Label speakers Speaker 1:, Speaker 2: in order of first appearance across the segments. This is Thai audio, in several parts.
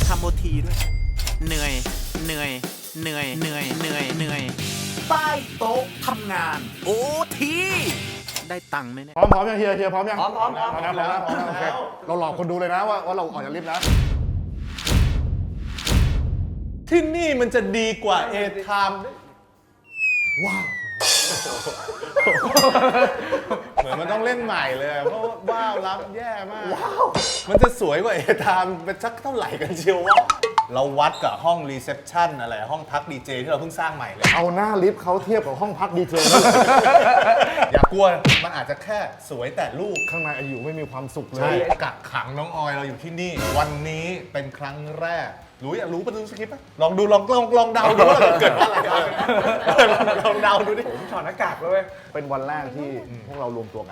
Speaker 1: ทำโอทีด้วยเหนื่อยใต้โต๊ะทำงานโอทีได้ตังค์ไหมเนี่ย
Speaker 2: พร้อมยังเฮียพร้อมยังพร้อมแล้วโอเคเราหลอกคนดูเลยนะว่าเราออกจากลิฟต์นะ
Speaker 3: ที่นี่มันจะดีกว่าเอไทม์ว้าวเหมือนมันต้องเล่นใหม่เลยเพราะว้าวรับแย่มากมันจะสวยกว่าเอไทม์เป็นสักเท่าไหร่กันเชียววะเราวัดกับห้องรีเซพชันอะไรห้องพักดีเจที่เราเพิ่งสร้างใหม่เลย
Speaker 2: เอาหน้าลิฟต์เขาเทียบกับห้องพักดีเจ
Speaker 3: อย่ากลัวมันอาจจะแค่สวยแต่รูป
Speaker 2: ข้างในอยู่ไม่มีความสุขเล
Speaker 3: ใช่
Speaker 2: ย
Speaker 3: กักขังน้องออยเราอยู่ที่นี่ วันนี้เป็นครั้งแรกอยากรู้ประตูสคริปต์ไหมลองดูลองเดาดูว่าเกิดอะไรลองเดาดูดิ
Speaker 4: ผมถอดหน้ากากเลย
Speaker 2: เป็นวันแรกที่พวกเรารวมตัวกัน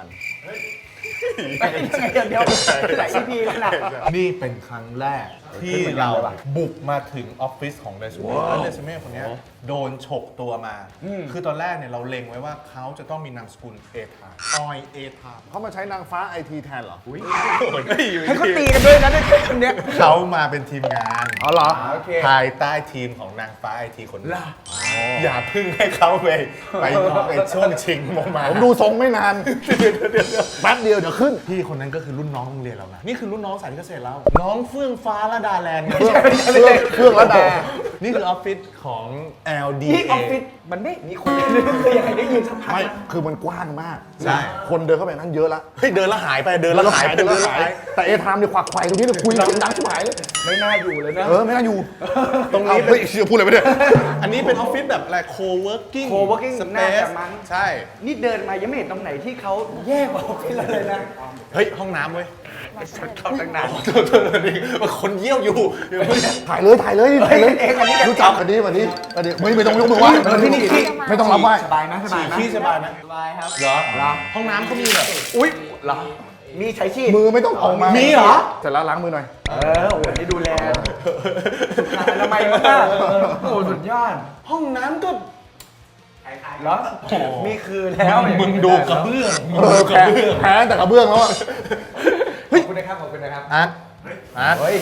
Speaker 4: เดี๋ยวหลาย EP แล้วนะ
Speaker 3: นี่เป็นครั้งแรกที่เราบุกมาถึงออฟฟิศของเรซูเม่แล้วเรซูเม่คนนี้โดนฉกตัวมา คือตอนแรกเนี่ยเราเล็งไว้ว่าเขาจะต้องมีนามสกุลเอทามออยเอทาม
Speaker 2: เขามาใช้นางฟ้าไอทีแทนเหรอ
Speaker 4: ให้เขาตีกันด้วยนะด้วยคนเนี้ย
Speaker 3: เขามาเป็นทีมงาน
Speaker 2: อ๋อเหรอ
Speaker 4: โอเค
Speaker 3: ภายใต้ทีมของนางฟ้าไอทีคนนี้อย่าพึ่งให้เขาไปช่วงชิงมา
Speaker 2: ผมดูทรงไม่นานแป๊บเดียวเดี๋ยวขึ้น
Speaker 3: พี่คนนั้นก็คือรุ่นน้องโรงเรียนเรานะนี่คือรุ่นน้องสายเกษตรเราน้องเฟื่องฟ้าระดาแลนด์
Speaker 2: เครื่องระดา
Speaker 3: นี่คือออฟฟิศของ LDA
Speaker 4: นี่ออฟฟิศมันไม่มีคนเลยคือยังไงได้ยินสักพัก
Speaker 2: ไม่คือมันกว้างมาก
Speaker 3: ใช่
Speaker 2: คนเดินเข้าไปนั้นเยอะละ
Speaker 3: เฮ้ยเดินแล้วหายไปเดินแล้วหายไป
Speaker 2: แต่เอทามเนี่ยควักไขว่ตรงนี้เลยคุยกันดังชิบหายเลย
Speaker 4: ไม่น่าอยู่เลยนะ
Speaker 2: ไม่น่าอยู่
Speaker 3: ตรงนี้
Speaker 2: เฮ้ยเชื่อพูดอะไรไปเนี่ย
Speaker 3: อันนี้เป็นออฟฟิศแบบอะไร co-working
Speaker 4: co-working น่า
Speaker 3: space
Speaker 4: จะมั้ง
Speaker 3: ใช่
Speaker 4: นี่เดินมายังไม่เห็นตรงไหนที่เขาแย่กว่าออฟฟิศเราเลยนะ
Speaker 3: เฮ้ยห้องน้ำเว้ย
Speaker 4: เข้าตั้งนาน
Speaker 3: คนเยี่ยวอยู่
Speaker 2: ถ่ายเลย
Speaker 4: เองอันนี้กัน
Speaker 2: รู้จักกันดีวันนี้ไม่ต้องยกมือไหว้
Speaker 4: ที่นี่
Speaker 2: ไม่ต้องรับไหว้
Speaker 4: สบายไหมสบายไหม
Speaker 3: ขี้สบายไหม
Speaker 4: สบายครับ
Speaker 3: เหรอห้องน้ำเขามีแบบ
Speaker 4: อุ้ยเหรอมีใช้ชีพ
Speaker 2: มือไม่ต้องออกมา
Speaker 3: มีเหรอ
Speaker 2: เสร็จแล้วล้างมือหน่อย
Speaker 4: โอ้โหนี่ดูแลสุขอนามัยมากโอ้โหสุดยอด
Speaker 3: ห้องน้ำก็
Speaker 4: เหรอมีคือแล้ว
Speaker 3: มึงดูกระเบื้อง
Speaker 2: แพ้แต่กระเบื้องแล้วอะ
Speaker 4: ขอบคุณนะครับขอบคุณนะครับ
Speaker 3: อาร์ต
Speaker 4: เฮ้ย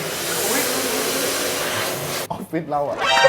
Speaker 2: ออฟฟิศเราอะ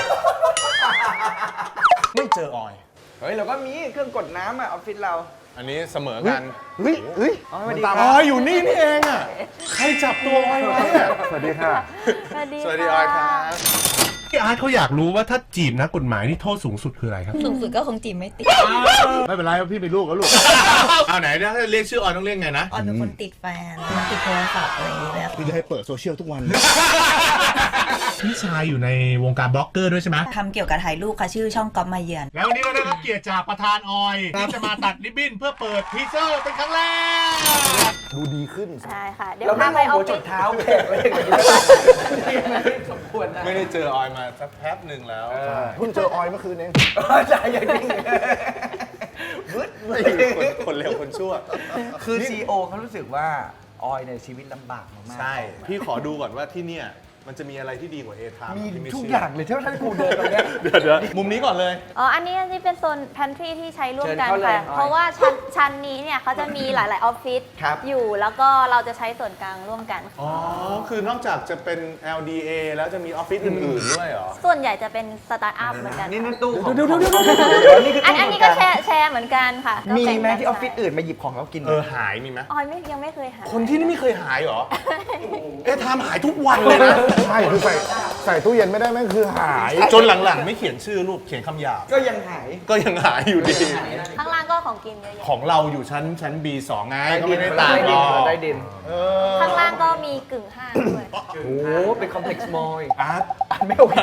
Speaker 3: ไม่เจอออย
Speaker 4: เฮ้ยเราก็มีเครื่องกดน้ำอะออฟฟิศเรา
Speaker 3: อันนี้เสมอกัน
Speaker 2: เฮ้ย
Speaker 4: อ๋อสวัสดี
Speaker 2: ตาม
Speaker 4: ค
Speaker 3: อ
Speaker 4: รับ
Speaker 3: อยอยู่นี่เองอ่ะ ใครจับตัวออยไว้อะ
Speaker 2: สวัสดีค่ะ
Speaker 3: สวัสดีออยครับ
Speaker 5: พี่อาร์ตเขาอยากรู้ว่าถ้าจีบนักกฎหมายนี่โทษสูงสุดคืออะไรครับ
Speaker 6: สูงสุดก็คงจีบไม่ติด
Speaker 2: ไม่เป็นไรพี่มีลูกแล้วลูก
Speaker 3: เอาไหนถ้าเรียกชื่อออยต้องเรียกไงนะ
Speaker 6: ออนเป็นคนติดแฟนติดโทรศัพท์อะไรอย่างเงี้ย
Speaker 2: พี่จะให้เปิดโซเชียลทุกวัน
Speaker 5: พี่ชายอยู่ในวงการบล็อกเกอร์ด้วยใช่ไหม
Speaker 6: ทำเกี่ยวกับถ่ายรูปค่ะชื่อช่องก๊อฟมาเยือน
Speaker 5: แล้ววันนี้เราได้รับเกียรติจากประธานออยที่จะมาตัดริบบิ้นเพื่อเปิดทีเซอร์เป็นครั้งแรก
Speaker 2: ดูดีขึ้น
Speaker 7: ใช่ค่ะ เดี๋ยว
Speaker 4: เราไม่
Speaker 7: พาม ไป
Speaker 4: อง
Speaker 7: ออ
Speaker 4: หั
Speaker 7: ฟ
Speaker 4: วจ
Speaker 7: ฟิ
Speaker 4: ด
Speaker 7: ศ
Speaker 4: เท้าแขกอะไรอย่างเงี้ยสมควรนะ
Speaker 3: ไม่ได้เจอออยมาสักแป๊บหนึ่งแล้ว
Speaker 2: เพิ่งเจอออยเมื่อคืนเอง
Speaker 4: ใช่อย่างนี้วึดเลย
Speaker 3: คนเร็วคนชั่ว
Speaker 4: คือซีโอเขารู้สึกว่าออยในชีวิตลำบากมากๆ
Speaker 3: ใช่ พี่ขอดูก่อนว่าที่เนี่ยมันจะมีอะไรที่ดีกว่าเอทาม
Speaker 4: มีทุกอย่างเลยถ้ากูเดินตรงเนี้ย
Speaker 3: เดี๋ยวมุมนี้ก่อนเลย
Speaker 7: อ๋อ อันนี้เป็นโซน pantry ที่ใช้ร่วมกัน
Speaker 4: เชิญเข้าเลย
Speaker 7: ค่ะ
Speaker 4: ออย
Speaker 7: เพราะว่าชั้นนี้เนี่ยเขาจะมีหลาย ๆ ออฟฟิศ
Speaker 4: ครับ
Speaker 7: อยู่ แล้วก็เราจะใช้ส่วนกลางร่วมกัน
Speaker 3: อ๋อ คือนอกจากจะเป็น LDA แล้วจะมีออฟฟิศอื่นๆด้วยเหรอ
Speaker 7: ส่วนใหญ่จะเป็นสตาร์ทอัพเหมือนกัน
Speaker 4: นี่
Speaker 7: ค่ะ
Speaker 4: นั่นตู้ของ
Speaker 2: เดี๋ยว
Speaker 4: นี่คือ
Speaker 7: อั
Speaker 4: ตู้
Speaker 7: นนี้ก็แชร์เหมือนกันค่ะ
Speaker 4: มี
Speaker 7: ก็แบ่ง
Speaker 4: ไหม
Speaker 7: กัน
Speaker 4: ที่ออฟฟิศอื่นมาหยิบของเรากิน
Speaker 3: หายมีไหม
Speaker 7: ออยยังไม่เคยหา
Speaker 3: คนที่นี่ไม่เคยหายเหรอ เอทามหายทุกวันเลยนะ
Speaker 2: ใช่คือใส่ตู้เย็นไม่ได้แม่งคือหาย
Speaker 3: จนหลังๆ ไม่เขียนชื่อรูปเขียนคำหยาบ
Speaker 4: ก็ยังหาย
Speaker 3: ก็ยังหายอยู่ดี
Speaker 7: ข้างล่างก็ของกินเยอะแยะ
Speaker 3: ของเราอยู่ชั้น B2 ไงก็ไม่ได้ต่างหรอก
Speaker 4: ได้ดิน
Speaker 7: ข้างล่างก็มีกึ่งห้างด้วย
Speaker 4: โอ้โหเป็นคอมเพล็กซ์มอลล์
Speaker 3: อาร์ต
Speaker 4: ไม่โอเค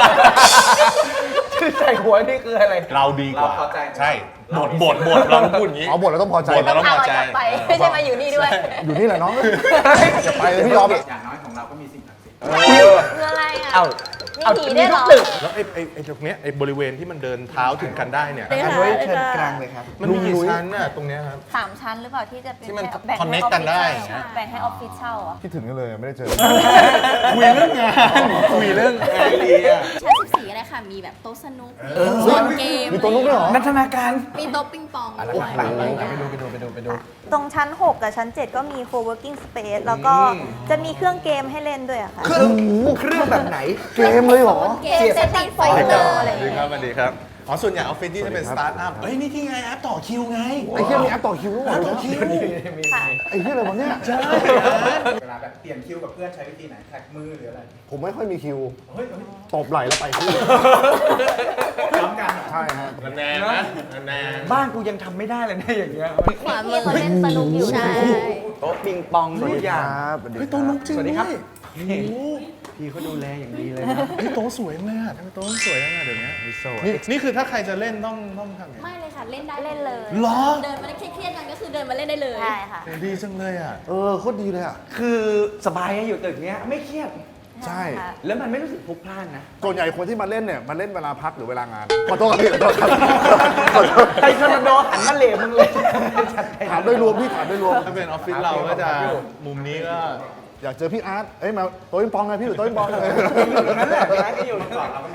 Speaker 4: ชื่อใส่หัวนี่คืออะไร
Speaker 3: เราดีกว่า
Speaker 4: เราเข้าใจ
Speaker 3: ใช่บทเราพูดอย่างนี้
Speaker 2: เอาบทเราต้องพอใจ
Speaker 3: บทเรา
Speaker 7: ต้องพาออยกลับไป ไม่ใช่มาอยู่นี่ด้วย
Speaker 2: อยู่นี่แหละน้องอย่าไปเลยพี่ยอม
Speaker 4: อย่างน้อยของเราก็มีสิ่งศักดิ์สิทธิ์
Speaker 7: คืออะไรอ่ะ
Speaker 4: เอ้า
Speaker 7: มีผีด้วยเหรอ
Speaker 3: แล้วไอ้ตรงเนี้ยไอ้บริเวณที่มันเดินเท้าถึงกันได้เนี่ย
Speaker 7: เป็น
Speaker 4: อัน
Speaker 7: หา
Speaker 4: ไว้
Speaker 7: เลย
Speaker 4: เชิญ
Speaker 7: ค่ะ
Speaker 4: กลางเลยครับ
Speaker 3: มันมีกี่ชั้นน่ะตรงเนี้ยครับ
Speaker 7: 3 ชั้นหรือเปล่าที่จะเป็น
Speaker 3: ที่มัน
Speaker 7: แบ่งให้
Speaker 3: connect กันได้
Speaker 7: ใช่แบ่งให้ออฟฟิศเช่าอ่ะ
Speaker 2: คิดถึงกันเลยไม่ได้เจอ
Speaker 3: คุยเรื่องงานคุยเรื่องไอเดีย
Speaker 7: ชั้น14อะไรคะ
Speaker 8: ค่ะ มีแบบโต๊ะสนุก
Speaker 2: เฮ้ย
Speaker 8: เกม
Speaker 2: มีตัวนุ๊กด้วยเหรอ
Speaker 4: นันทนาการ
Speaker 8: มีโต๊ะปิงปอง
Speaker 4: อะไร
Speaker 8: ด้วย
Speaker 4: ไปดู
Speaker 6: ตรงชั้น 6 กับชั้น 7 ก็มี co-working space แล้วก็จะมีเครื่องเกมให้เล่นด้วยอะค่ะ
Speaker 4: เครื่องแบบไหน
Speaker 2: เกมเลยเหรอ
Speaker 8: เกมเซตติ้งไฟเตอร์อะไรอย่าง
Speaker 3: สวัสดี
Speaker 8: เงี้ย
Speaker 3: ครับสวัสดีครับ อ๋อ ส่วนใหญ่ออฟฟิศที่จะเป็นสตาร์ทอัพ เฮ้ย นี่ที่ไงแอปต่อคิวไง
Speaker 2: ไอ้เหี้ยมีแอปต่อคิวด้วยเหรอ
Speaker 3: ต่อคิว
Speaker 6: ค่ะ
Speaker 2: ไอ้เหี้ยอะไรวะเนี่ย
Speaker 3: ใช่
Speaker 4: เวลาแบบเปลี่ยนคิวกับเพื่อนใช้วิธีไหนแท็กมือหรืออะไร
Speaker 2: ผมไม่ค่อยมีคิวตบไหล่แล้วไปคู่
Speaker 4: พร้อมกัน
Speaker 2: ใช่ฮะ
Speaker 3: แนนนะแนน
Speaker 4: บ้านกูยังทำไม่ได้เลยนะอย่างเงี้ย
Speaker 7: ขวามือเขาเล่นสนุกอยู่
Speaker 8: ใช่
Speaker 4: โต๊ะปิงปองทุกอย่าง
Speaker 3: เฮ้ยโต๊ะนุ๊กจริง
Speaker 4: สวัสดีครับ
Speaker 3: ด้วยโอ้โห
Speaker 4: พี่เขาดูแลอย่างดีเลยนะ
Speaker 3: เฮ้ยโต๊ะสวยเลยอะทำไมโต๊ะสวยจังอะเดี๋ยวนี้นี่คือถ้าใครจะเล่นต้องทำไง
Speaker 8: ไม่เลยค่ะ เล่นได้
Speaker 7: เล่นเลย
Speaker 3: เหรอ
Speaker 8: เดินมาได้เครียดๆกันก็คือเดินมาเล่นได้เลย
Speaker 7: ใช่ค่ะ
Speaker 3: โหดีจังเลยอะ
Speaker 2: โคตรดีเลยอ่ะ
Speaker 4: คือสบายอะอยู่ตึกเนี้ยไม่เครียด
Speaker 2: ใช่
Speaker 6: ค่ะ
Speaker 4: แล้วมันไม่รู้สึกพลุกพล่านนะ
Speaker 2: ส่วนใหญ่คนที่มาเล่นเนี่ยมาเล่นเวลาพักหรือเวลางานขอโทษครับพี่ขอโทษครับขอโทษ
Speaker 4: ไอ้ทอร์นาโดหันมาเหลวมึงเลย
Speaker 2: ถามโดยรวมพี่ถามโดยรวม
Speaker 3: ถ้าเป็นออฟฟิศเราก็จะมุมนี้ก็
Speaker 2: อยากเจอพี่อาร์ตเอ้ยมาโต๊ะปิงปองไงพี่อยู่โต๊ะปิงปองเลย
Speaker 4: นั่นแหละร้านก็อยู่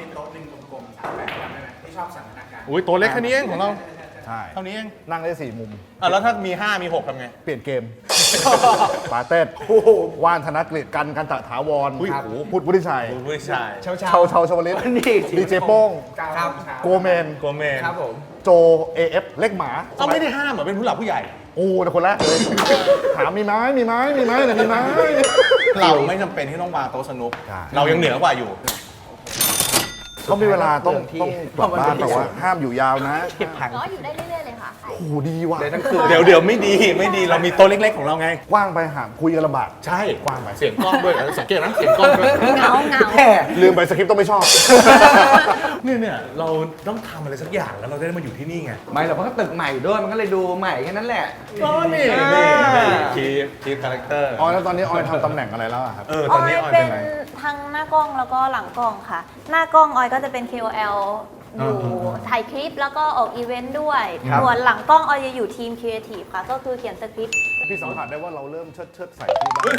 Speaker 3: อุ้ยตัวเล็กแค่นี้เองของเรา
Speaker 2: ใช่
Speaker 3: เท่านี้เอง
Speaker 2: นั่งได้4มุม
Speaker 3: อ่ะแล้วถ้ามี 5 มี 6ทำไง
Speaker 2: เปลี่ยนเกม ปาเต้ว่านธนกฤษกันตะถาวร
Speaker 3: อุ้ย
Speaker 2: พุทธวุฒิชัย
Speaker 3: คุณผู้ชาย
Speaker 4: เช้า
Speaker 2: ชาวชาวลิต
Speaker 4: นี่
Speaker 2: ดีเจโป้ง
Speaker 4: ครับ
Speaker 2: โกเมน
Speaker 3: โกเมน
Speaker 4: ครับผม
Speaker 2: โจ AF เล็กหมา
Speaker 3: เขาไม่ได้ห้ามเหรอเป็นผู้หลักผู้ใหญ่
Speaker 2: โอ้แต่คนแรกเลย ถามมีไหมมีไหมมีไหมไหนมีไหม
Speaker 3: เราไม่จำเป็นที่ต้องวางโต๊ะสนุก
Speaker 2: ใช่
Speaker 3: เรายังเหนือกว่าอยู่
Speaker 2: เขามีเวลาต้องกลับบ้านแต่ว่าห้ามอยู่ยาวนะ
Speaker 4: เก็บผัง
Speaker 7: ก็อยู่ได้เรื่อยๆเลยค่ะ
Speaker 2: โอ้โหดีว่ะ
Speaker 4: เลยทั้งคืน
Speaker 3: เดี๋ยวไม่ดีเรามีโต๊ะเล็กๆของเราไง
Speaker 2: กว้างไปหามคุยกันลำบาก
Speaker 3: ใช่กว้างไปเสียงกล้องด้วยสังเกตนะเสียงกล้องด้วย
Speaker 7: เงา
Speaker 4: แค่
Speaker 2: ลืมไปสคริปต์ต้องไม่ชอบ
Speaker 3: เนี่ยเราต้องทำอะไรสักอย่างแล้วเราจะได้มาอยู่ที่นี่ไง
Speaker 4: ไม่หรอกเพราะก็ตึกใหม่ด้วยมันก็เลยดูใหม่แค่นั้นแหละ
Speaker 3: ก็นี่คีย์คาแรคเตอร์
Speaker 2: ออยแล้วตอนนี้ออยทำตำแหน่งอะไรแล้วอะครับ
Speaker 3: ต
Speaker 6: อ
Speaker 3: อน
Speaker 6: อ
Speaker 3: นี้
Speaker 6: ย
Speaker 3: ออย
Speaker 6: เป็
Speaker 3: เป็น
Speaker 6: น
Speaker 3: อะไร
Speaker 6: ทั้งหน้ากล้องแล้วก็หลังกล้องค่ะ หน้ากล้องออยก็จะเป็น KOL อยู่ถ่ายคลิปแล้วก็ออกอีเวนต์ด้วย
Speaker 4: ครับ
Speaker 6: ส่วนหลังกล้องออยจะอยู่ทีมครีเอทีฟค่ะ ก็คือเขียนสคริปต์
Speaker 2: พี่สัมผัสได้ว่าเราเริ่มเชิดใส่ที่บ้าน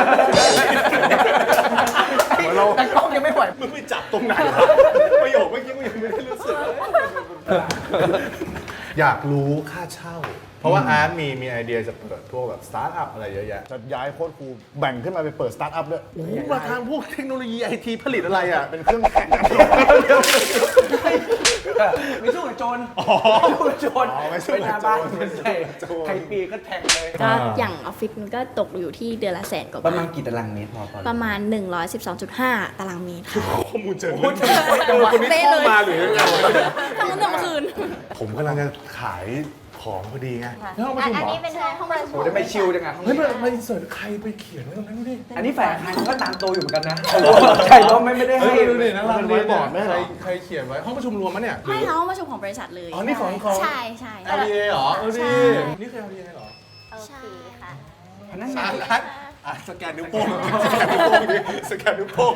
Speaker 2: เหมือนเรา
Speaker 4: แต่กล้องยังไม่ไหว
Speaker 3: มึงไปจับตรงไหนวะประโยคเมื่อกี้กูยังไม่ได้รู้สึกเลยอยากรู้ค่าเช่า เพราะว่าอาร์ตมีไอเดียจะเปิดพวกแบบสตาร์ทอัพอะไรเยอะแยะ
Speaker 2: จะย้ายโค้ดครูแบ่งขึ้นมาไปเปิดสตาร์ทอัพด้วย
Speaker 3: โอ้โหมาทางพวกเทคโนโลยีไอทีผลิตอะไรอ่ะ
Speaker 2: เป็นเครื่องแข่งกัน
Speaker 4: ไม่สู้กับโจร
Speaker 3: อ๋อ
Speaker 4: ไม่สู้กับโจร
Speaker 3: อ๋อไม่สู้กับโจร
Speaker 4: ไปหน้าบ้านไม่ใช่ใครปีก็แทงเลย
Speaker 8: ก็อย่างออฟฟิศมันก็ตกอยู่ที่เดือนละ100,000 กว่า
Speaker 4: ประ
Speaker 8: บา
Speaker 4: มาณ
Speaker 8: ท
Speaker 4: กี่ตารางเมตรพอ
Speaker 8: ประมาณ 112.5 ตารางเมตรค่ะ
Speaker 3: ข้อมูลเจอคนนี้เข้ามาหรือยังไง
Speaker 8: ทั้งวันทั้งคืน
Speaker 3: ผมกำลังจะขายของพอดีไง
Speaker 6: ค่ะ
Speaker 3: แล้วห้องประชุม
Speaker 6: อัน
Speaker 3: เหรอ
Speaker 6: นี้เป็นห้องประชุ
Speaker 4: โอ้
Speaker 6: ม
Speaker 4: ได้ไปชิลจังอ่ะ
Speaker 3: เฮ้ยมาอินเสิร์ตใครไปเขียนไว้ตรงนั้นดูดิ
Speaker 4: อันนี้แฝงคันก็ตามตัวอยู่เหมือนกันนะใช่เพราะไม่ได้
Speaker 3: เฮ้
Speaker 4: ให้
Speaker 3: ยดูดินะ
Speaker 2: มันไว้บอร์ดไหมเหรอ
Speaker 3: ใครเขียนไว้ห้องประชุมรวมมะเนี่ย
Speaker 8: ไม่เขาประชุมของบริษัทเลย
Speaker 3: อ๋อนี่ของ
Speaker 8: ใช่ใช่
Speaker 3: LDA เหรอเออ
Speaker 8: ใช่
Speaker 3: ดินี่คือ LDA เหรอ
Speaker 6: โอเคค่ะ
Speaker 4: พนักงา
Speaker 3: อ่ะ
Speaker 4: น
Speaker 3: สแกนนิ้วโป้งสแกนนิ้วโป้ง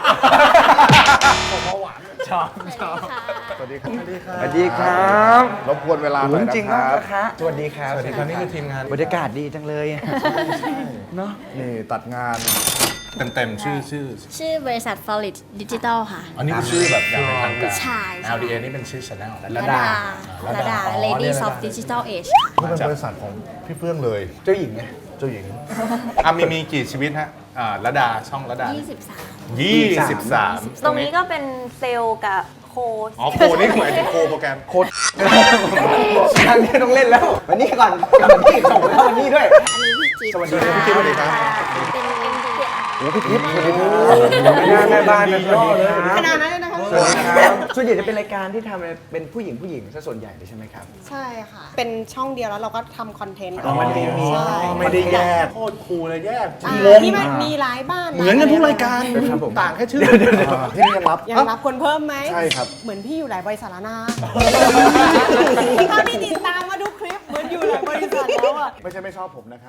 Speaker 4: ชอบ
Speaker 2: สวัสดีครับ
Speaker 3: สวัสดีครับ
Speaker 4: สวัสดีครับ
Speaker 2: รบกวนเวลาหน่อย
Speaker 4: จริ
Speaker 2: นะ
Speaker 4: ง
Speaker 2: ค
Speaker 4: ๆ
Speaker 2: รับ
Speaker 4: นะคะสวัสดีครับ
Speaker 3: สวัสดีครับนี่คือทีมงาน
Speaker 4: บรรยากาศดีจังเลยเนาะ
Speaker 2: นี่ตัดงาน
Speaker 3: เต็มชื่อ
Speaker 8: ชื่อบริษัท Flawless Digital ค่ะ
Speaker 3: อันนี้คือชื่อแบบอย่างเป็นทางการ
Speaker 8: ใช่ใช่
Speaker 3: LDA นี่เป็นชื่อ channel
Speaker 8: ระดา Ladies of Digital Age ค่ะ
Speaker 2: นี่เป็นบริษัทของพี่เฟื่องเลย
Speaker 4: เจ้าหญิงไง
Speaker 2: เจ้าหญิง
Speaker 3: มีกี่ชีวิตฮะระดาช่องระดา
Speaker 8: 23
Speaker 3: 23
Speaker 6: ตรงนี้ก็เป็นเซลล์กับโค้ช
Speaker 3: อ๋อโคนี่หมายถึงโคโปรแกรม
Speaker 4: โคตรทางนี้ต้องเล่นแล้ว วันนี้ก่อนวันนี้ส่งแล้ววันนี้ด้วย
Speaker 8: อันนี้พี่จิ๊บ
Speaker 3: สวัสดีครับพี่จิ๊บสวัสดีครับ
Speaker 8: เป็น MD
Speaker 2: โอ้พี่ทิพย์สวัสดีครับ
Speaker 4: แม่บ้านเป็นย่อเลย
Speaker 8: ขนาดนั้นเลยนะคะ
Speaker 4: สวัสดีครับส่วนใหญ่จะเป็นรายการที่ทำเป็นผู้หญิงซะส่วนใหญ่เลยใช่ไหมครับ
Speaker 9: ใช่ค่ะ เป็นช่องเดียวแล้วเราก็ทำคอนเทนต์
Speaker 4: อ๋อมันมี
Speaker 9: ใช่
Speaker 3: ไม่ได้แยกโคตรคูลเลยแยก
Speaker 9: ที่มันมีหลายบ้าน
Speaker 3: เหมือนกันทุกรายการ
Speaker 4: ครับผม
Speaker 3: ต่างแค่ชื่อ
Speaker 2: ที่นี่ยังรับ
Speaker 9: ยังรับคนเพิ่มไหม
Speaker 2: ใช่ครับ
Speaker 9: เหมือนพี่อยู่หลายบริษัทแล้วนะถ้าพี่ติดตามมาดูคลิปเหมือนอยู่หลายบริษัทแล้วอ่ะ
Speaker 2: ไม่ใช่ไม่ชอบผมนะครับ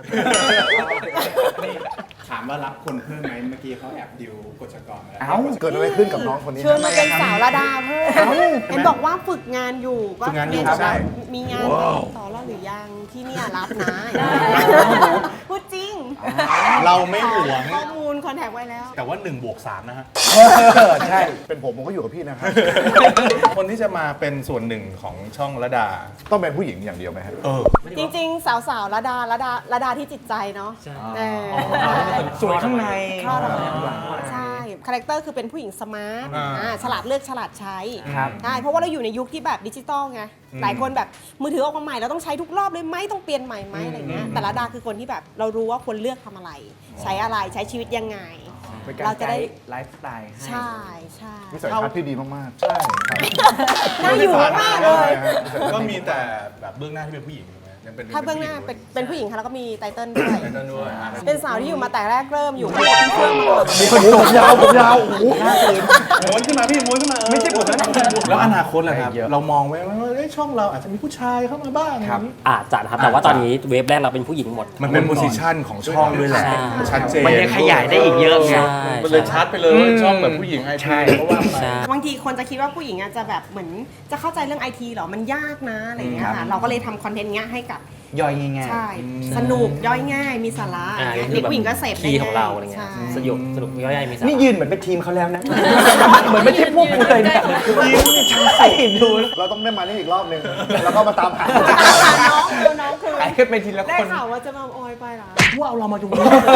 Speaker 10: ถามว่ารับคนเพิ่มไหมเมื่อกี้เขาแอบดิวกฎชกรมาแล้ว
Speaker 4: เอ้า
Speaker 2: เกิดอะไรขึ้นกับน้องคนนี้
Speaker 9: เชิญมาเป็นสาวระดาเพิ่มเห็นบอกว่าฝึกงานอยู่ก็
Speaker 3: ฝึกงานอยู่
Speaker 9: เรี
Speaker 3: ใช่
Speaker 9: มีงานต่อแล้วหรือยังที่เนี่ยรับนะ พูดจริง
Speaker 3: เราไม่หวง
Speaker 9: ข้อมูลคอนแทคไว้แล้ว
Speaker 3: แต่ว่า1+3นะฮะ
Speaker 4: ใช่
Speaker 2: เป็นผมก็อยู่กับพี่นะครับ
Speaker 3: คนที่จะมาเป็นส่วนหนึ่งของช่องระดา
Speaker 2: ต้องเป็นผู้หญิงอย่างเดียวไหมครับ
Speaker 9: จริง ๆ สาวๆระดาที่จิตใจเนาะเออ
Speaker 4: สวยข้างใน
Speaker 9: คลอดออกมาใช่คาแรคเตอร์คือเป็นผู้หญิงสมาร์ทฉลาดเลือกฉลาดใช้
Speaker 4: ครับ
Speaker 9: ใช่เพราะว่าเราอยู่ในยุคที่แบบดิจิตอลไงหลายคนแบบมือถือออกมาใหม่เราต้องใช้ทุกรอบเลยไหมต้องเปลี่ยนใหม่ไหมอะไรเงี้ยแต่ละดาคือคนที่แบบเรารู้ว่าควรเลือกทำอะไร ใช้อะไรใช้ชีวิตยังไง เราจะได้
Speaker 4: ไลฟ์สไตล์ให้
Speaker 9: ใช่ใช่
Speaker 2: วิสัยทัศน์ที่ดีมากๆ ใช่
Speaker 9: น่าอยู่มากเลย
Speaker 3: ก็มีแต่แบบเบื้องหน้าที่เป็นผู้หญิงถูกไหมยังเป็น
Speaker 9: ถ้าเบื้องหน้าเป็นผู้หญิงค่ะแล้วก็มีไตเติ้ลด้วย
Speaker 3: ไตเติ้ลด้วยอ่ะ
Speaker 9: เป็นสาวที่อยู่มาแต่แรกเริ่มอยู่คู่กับพี่เฟื่องมาก่อน
Speaker 2: ผมยาวโอ้โห
Speaker 3: ม้วนขึ้นมาพี่ม้วนขึ้นมาไม่ใช่ผมนะแล้วอนาคตล่ะครับ เรามองไว้ว่าเอ้ยช่องเราอาจจะมีผู้ชายเข้ามาบ้าง
Speaker 4: ครับ
Speaker 11: อาจจะนะครับ แต่ว่าตอนนี้เวฟแรกเราเป็นผู้หญิงหมด
Speaker 3: มันเป็นโพสิชันของช่องด้วยแหละ
Speaker 11: ใช่
Speaker 3: ชัดเจน
Speaker 4: มันยังขยายได้อีกเยอะไง
Speaker 11: ใช่
Speaker 3: มันเลยชัดไปเลยว่าช่องแบบผู้หญิงไอทีเพราะว่าไป
Speaker 11: ใช่
Speaker 9: บางทีคนจะคิดว่าผู้หญิงอาจจะแบบเหมือนจะเข้าใจเรื่องไอทีหรอมันยากนะอะไรอย่างเงี้ย
Speaker 4: ครั
Speaker 9: ค่ะ
Speaker 4: บ
Speaker 9: เราก็เลยทำคอนเทนต์เงี้ยให้กับ
Speaker 4: ย่อยง่าย
Speaker 9: ใช่สนุกย่อยง่ายมีสาระอะไรเงี้ยเด็กผู้หญิงก็เสพได้
Speaker 11: คีย์ของเราอะไรเงี้ย
Speaker 9: ใช่
Speaker 11: สนุกย่อยๆมีสา
Speaker 4: ๆนี่
Speaker 11: ระ
Speaker 4: ยืนเหมือนเป็นทีมเขาแล้วนะ เหมือนไม่ใช่พวกกูเลยเนี่ยยืนใช่ดู
Speaker 2: เราต้องได้มานี่อีกรอบหนึ่งแล้วก็มาตามหา
Speaker 9: น้องคือ
Speaker 4: ไอ้ขึ้นไปทีละ
Speaker 9: ได้
Speaker 4: คน
Speaker 9: ข่าวว่าจะมาออยไปเหรอ
Speaker 4: ว่าเอาเรามาดู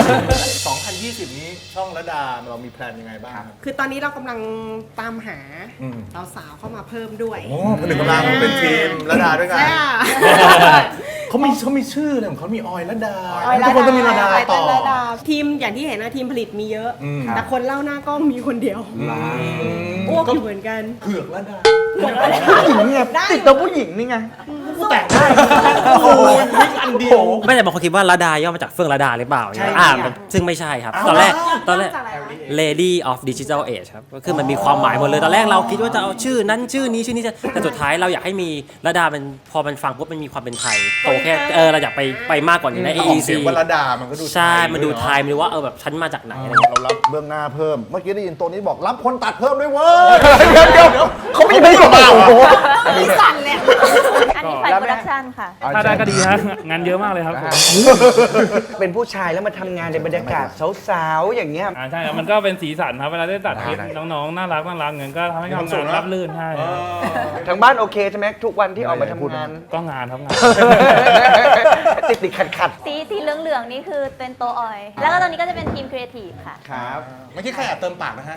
Speaker 3: 2020 นี้ช่องระดาเรามีแพลนยังไงบ้างครับ
Speaker 9: คือตอนนี้เรากำลังตามหาสาวๆเข้ามาเพิ่มด้วย
Speaker 3: โอ้ผนึกกำลังเป็นทีมระดาด้วยกัน
Speaker 9: ใช่ค่ะ
Speaker 3: เขามีชื่อเลยของเขามีออยระดา
Speaker 9: ออย
Speaker 3: ทุกคนต้องมีระดา
Speaker 9: ไต
Speaker 3: ต่
Speaker 9: เติ้
Speaker 3: อ
Speaker 9: ลระดาทีมอย่างที่เห็นนะทีมผลิตมีเยอะ แต่คนเล่าหน้ากล้องมีคนเดียวอ้วกอยู่เหมือนกัน
Speaker 3: เผือกระดา
Speaker 4: ผู้หญิงไงติดตัวผู้หญิงนี่ไง
Speaker 3: กูแต่งได้โอ้ยวิกอันเดียว
Speaker 11: ไม่แต่บางคนคิดว่าระดาย่อมาจากเฟื่องระดาหรือเปล่าเนี่ยซึ่งไม่ใช่ครับ ตอนแรก
Speaker 9: จากอะไรวะ
Speaker 11: Lady of Digital Age ครับก็คือมันมีความหมายหมดเลย ตอนแรกเราคิดว่าจะเอาชื่อนั้นชื่อนี้แต่สุดท้ายเราอยากให้มีระดาเป็นพอมันฟังปุ๊บมันมีความเป็นไทยโตแค่เราอยากไปมากกว่านี้ใน
Speaker 3: ของ
Speaker 11: AEC
Speaker 3: เสียงว่าระดามันก็ดู
Speaker 11: ใช่มันดูไทยมันดูว่าแบบฉันมาจากไหนอะไรเงี้ย
Speaker 2: เรารับเบื้องหน้าเพิ่ม เมื่อกี้ได้ยินตัวนี้บอกรับคนตัดเพิ่มด้วยเว้ย
Speaker 4: เดี๋ยวเขาไม่ได้บอกโอ้โห
Speaker 9: มีสั่นเลย
Speaker 6: อันนี้ฝ่ายโปรดักชันค่ะ
Speaker 5: ถ้าได้ก็ดีฮะงานเยอะมากเลยครับผม
Speaker 4: เป็นผู้ชายแล้วมาทำงานในบรรยากาศสาวๆอย่างเงี้ย
Speaker 5: ใช่ครับมันก็เป็นสีสันครับเวลาได้ตัดคลิปน้องๆน่ารักเงินก็ทำให้ทำงานรับลื่นใช่ครับ
Speaker 4: ทางบ้านโอเคใช่ไหมทุกวันที่ออกมาทำงาน
Speaker 5: ก็งานครับงาน
Speaker 4: ติดขัด
Speaker 6: สีเหลืองๆนี่คือเป็นตัวออย แล้วก็ตอนนี้ก็จะเป็นทีมครีเอทีฟค่ะ
Speaker 4: ครับ
Speaker 3: เมื่อกี้ใครแอบเติมปากนะฮะ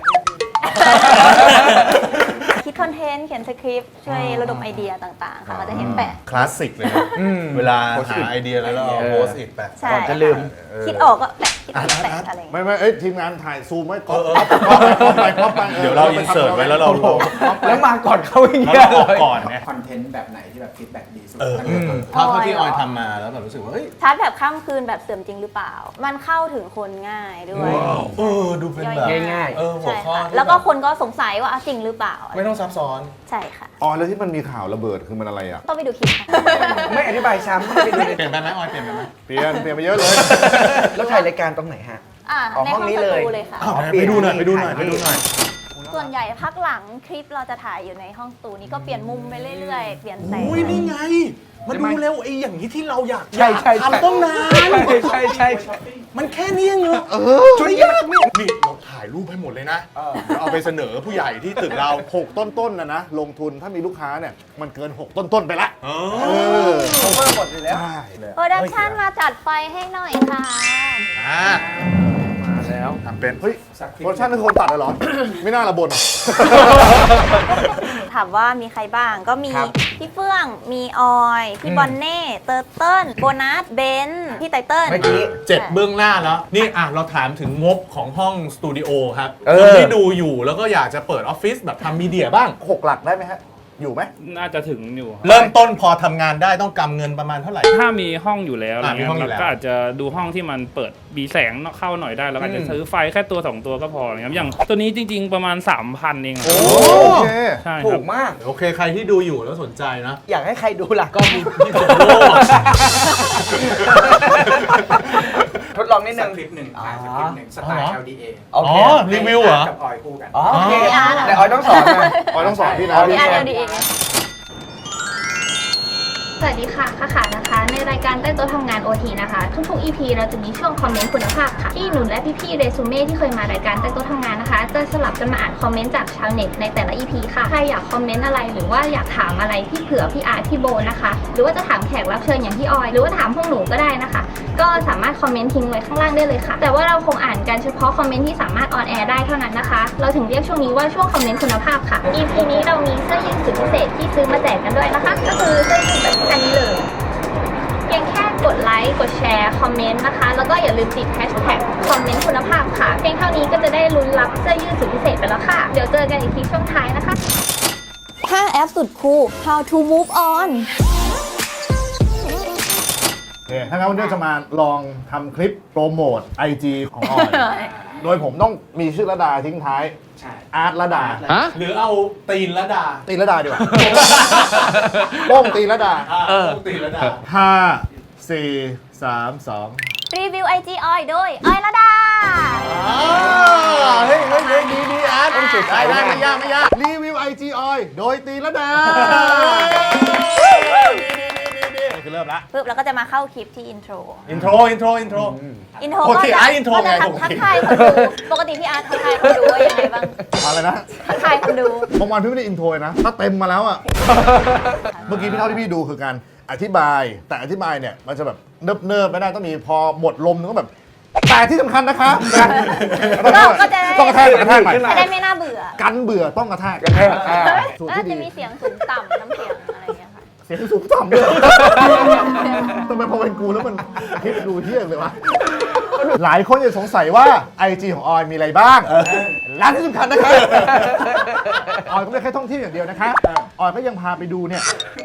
Speaker 6: คิดคอนเทนต์เขียนสคริปต์ช่วยระดมไอเดียต่างๆ ค่ะก็จะเห็นแปะ
Speaker 3: คลาสสิกเลยนะเวลาหาไอเดียแล้วเราเอาโพสต์อิทไป
Speaker 6: ใช่
Speaker 4: ก่อนจะลืม
Speaker 6: คิดออกก็แปะคิดออกก็แปะอะไรอย่างเงี้ย
Speaker 2: ไม่ทีมงานถ่ายซูมไว้ก๊อปไป
Speaker 3: เดี๋ยวเราอินเสิร์ตไว้แล้วเราลง
Speaker 4: แล้วมาก่อนเขาอย่าง
Speaker 3: แล้ว
Speaker 4: เงี้ย
Speaker 3: เราออกก่อนไง
Speaker 10: คอนเทนต์แบบไหนที่แบบฟีดแบ็กดีสุด
Speaker 3: เท่าที่ออยทำมาแล้วแบบรู้สึกว่าเฮ้ย
Speaker 6: ชาร์จแบบข้ามคืนแบบเสื่อมจริงหรือเปล่า มันเข้าถึงคนง่ายด้วย
Speaker 3: ดูเป็นแบบ
Speaker 4: ง่าย
Speaker 3: หัว
Speaker 6: ใช่
Speaker 3: ข้อ
Speaker 6: ค่ะ
Speaker 3: ที่
Speaker 6: แล้วก็คนก็สงสัยว่าจริงหรือเปล่า
Speaker 3: ไม่ต้องซับซ้อน
Speaker 6: ใช่ค่ะ
Speaker 2: อ๋อแล้วที่มันมีข่าวระเบิดคือมันอะไรอ่ะ
Speaker 6: ต้องไปดูคลิปค่ะ
Speaker 4: ไม่อธิบายซ้ำไม่ดูเลย
Speaker 3: เปลี่ยนไปไหมออยเปลี่ยนไปไหม
Speaker 2: เปลี่ยนไปเยอะเลย
Speaker 4: แล้วถ่ายรายการตรงไหนฮะ
Speaker 6: ในห้องสตูเลยค่ะ
Speaker 3: ไปดูหน่อยไปดูหน่อย
Speaker 6: ส่วนใหญ่พักหลังคลิปเราจะถ่ายอยู่ในห้องสตูนี้ก็เปลี่ยนมุมไปเรื่อยๆ เปลี่ยนแสง
Speaker 3: อุ้ยนี่ไง มาดูเร็วไอ้อย่างนี้ที่เราอยาก
Speaker 4: ใช่ใช่
Speaker 3: ทำต้องนาน
Speaker 4: ใช่
Speaker 3: มันแค่นี้เองเหรอช่วยยากนี่เราถ่ายรูปให้หมดเลยนะเอาไปเสนอผู้ใหญ่ที่ตึกเรา
Speaker 2: 6 ต้นๆนะลงทุนถ้ามีลูกค้าเนี่ยมันเกิน 6 ต้นๆไปละ
Speaker 4: ผมว่าหมดเลยแล้ว
Speaker 2: ใช่
Speaker 6: โปรดักชันมาจัดไฟให้หน่อยค่ะ
Speaker 3: มาแล้วทำเป็น
Speaker 2: เฮ้ยโปรดักชั่นเป็นคนตัดเหรอ ไม่น่าละบน
Speaker 6: ถามว่ามีใครบ้างก็มี
Speaker 4: ครับ
Speaker 6: พี่เฟื่อง มีออย พี่บอนเน่ เตอร์เติ้ลโบนัส เบนซ์พี่ไตเติ้ล
Speaker 4: เมื่อกี้
Speaker 3: 7 เบื้องหน้าแล้ว นี่เราถามถึงงบของห้องสตูดิโอครับ
Speaker 4: เอ
Speaker 3: คน
Speaker 4: อ
Speaker 3: ที่ดูอยู่แล้วก็อยากจะเปิดออฟฟิศแบบทำมีเดียบ้าง
Speaker 2: 6 หลักได้ไหมฮะ อยู่ไหม
Speaker 5: น่าจะถึงอยู่ครับ
Speaker 3: เริ่มต้นพอทำงานได้ต้องกำเงินประมาณเท่าไหร่
Speaker 5: ถ้ามีห้องอยู่แล้วอะไร
Speaker 3: มี
Speaker 5: เงี้
Speaker 3: ห้อง
Speaker 5: ย
Speaker 3: อยู่
Speaker 5: เรา
Speaker 3: แล้ว
Speaker 5: ก็อาจจะดูห้องที่มันเปิดมีแสงเข้าหน่อยได้แล้วก็อาจจะซื้อไฟแค่ตัว 2 ตัวก็พออะไรเงี้ยอย่างตัวนี้จริง ๆ ประมาณ 3,000 เองครับ
Speaker 2: โอเค
Speaker 5: ใช่ค
Speaker 4: ถู
Speaker 5: รับ
Speaker 4: กมาก
Speaker 3: โอเคใครที่ดูอยู่แล้วสนใจนะ
Speaker 4: อยากให้ใครดูล่ะ
Speaker 3: ก็มีพี่ผมโลก
Speaker 4: ทดลองนิด
Speaker 10: สั
Speaker 4: นึ
Speaker 10: ก
Speaker 4: ง
Speaker 10: คลิปหนึ่งถ่ายสักคลิปหนึ่งสไตล์ LDA
Speaker 4: โอเค
Speaker 3: รีวิวเหรอ
Speaker 10: กับออยคู่กัน
Speaker 4: โอเค
Speaker 6: พี่อาร์ตเหรอ
Speaker 4: แต่ออยต้องสอนนะ
Speaker 2: ออยต้องสอนพี่นะ
Speaker 6: พี่อาร์ตเอาดีเอง
Speaker 7: สวัสดีค่ะค่ะนะคะ ในรายการใต้โต๊ะทำงาน OT นะคะ ทุกๆ EP เราจะมีช่วงคอมเมนต์คุณภาพค่ะ ที่หนูและพี่ๆเรซูเม่ที่เคยมารายการใต้โต๊ะทำงานนะคะ จะสลับกันมาอ่านคอมเมนต์จากชาวเน็ตในแต่ละ EP ค่ะใครอยากคอมเมนต์อะไรหรือว่าอยากถามอะไรพี่เผือพี่อาร์ตพี่โบนะคะหรือว่าจะถามแขกรับเชิญอย่างพี่ออยหรือว่าถามพวกหนูก็ได้นะคะ ก็สามารถคอมเมนต์ทิ้งไว้ข้างล่างได้เลยค่ะ แต่ว่าเราคงอ่านกันเฉพาะคอมเมนต์ที่สามารถออนแอร์ได้เท่านั้นนะคะเราถึงเรียกช่วงนี้ว่าช่วงคอมเมนต์คุณภาพค่ะ EP นี้เรามีเสื้อยืดสุดพิเศษที่ซื้อมาแจกกันด้วยนะคะก็คือเสื้อยืดแบบอันนี้เลยเพียงแค่กดไลค์กดแชร์คอมเมนต์นะคะแล้วก็อย่าลืมติดแฮชแท็กคอมเมนต์คุณภาพค่ะเพียงเท่านี้ก็จะได้ลุ้นรับเสื้อยืดสุดพิเศษไปแล้วค่ะเดี๋ยวเจอกันอีกทีช่วงท้ายนะคะ
Speaker 6: 5 แอปสุดคูล How to move on
Speaker 2: โอเคถ้างั้นวันนี้จะมาลองทำคลิปโปรโมท IG ของออย โดยผมต้องมีชื่อระดาทิ้งท้าย
Speaker 10: ใช่
Speaker 2: อาร์ตระดา
Speaker 3: หรือเอาตีนละดา
Speaker 2: ตีระดาดีกว่า โป้งตีระดา
Speaker 3: ตีนละดา
Speaker 2: 5 4 3 2
Speaker 6: รีวิว IG ออยโดยออยระดา
Speaker 3: เฮ้ยดีอาร์ตต้องสุดได้ไม่ยาก
Speaker 2: รีวิว IG ออยโดยตีระดานี่คือเริ่มละ
Speaker 6: ปึ๊บแล้วก็จะมาเข้าคลิปที่อินโทร
Speaker 3: อินโทร
Speaker 6: อินโทร
Speaker 3: ปกติ
Speaker 6: ก็จะ
Speaker 3: อาร์ตอินโทรไง
Speaker 6: ก็จะ
Speaker 3: ปกติ
Speaker 6: ทักทายคนดูปกติพี่อาร์ตทักทายคนดูว่ายังไงบ้าง
Speaker 2: อะไรนะ
Speaker 6: ทักทายคนดู
Speaker 2: บางวันพี่ไม่ได้อินโทรนะถ้าเต็มมาแล้วอ่ะ เมื่อกี้พี่เท่าที่พี่ดูคือการอธิบาย แต่อธิบายเนี่ยมันจะแบบเนิบๆไม่ได้ต้องมีพอหมดลมนึงก็แบบแต่ที่สำคัญนะคะ
Speaker 6: ก็จะได้
Speaker 2: ต้องกระแทกใหม่
Speaker 6: จะได้ไม่น่าเบื่อ
Speaker 2: กันเบื่อต้องกระแทกสูตร
Speaker 6: แล้ว
Speaker 2: ที่
Speaker 6: จะ
Speaker 2: ดี
Speaker 6: มีเสียงสูงต่ำน้ำเสียงอะไรอย่างเงี้ยค่ะ
Speaker 2: เสียงสูงต่ำด้วยทำไมพอเป็นกูแล้วมันคลิปดูเที่ยงเลยวะหลายคนจะสงสัยว่า IG ของออยมีอะไรบ้างและที่สำคัญนะคะออยก็ไม่ได้แค่ท่องเที่ยวอย่างเดียวนะคะออยก็ยังพาไปดูเนี่ย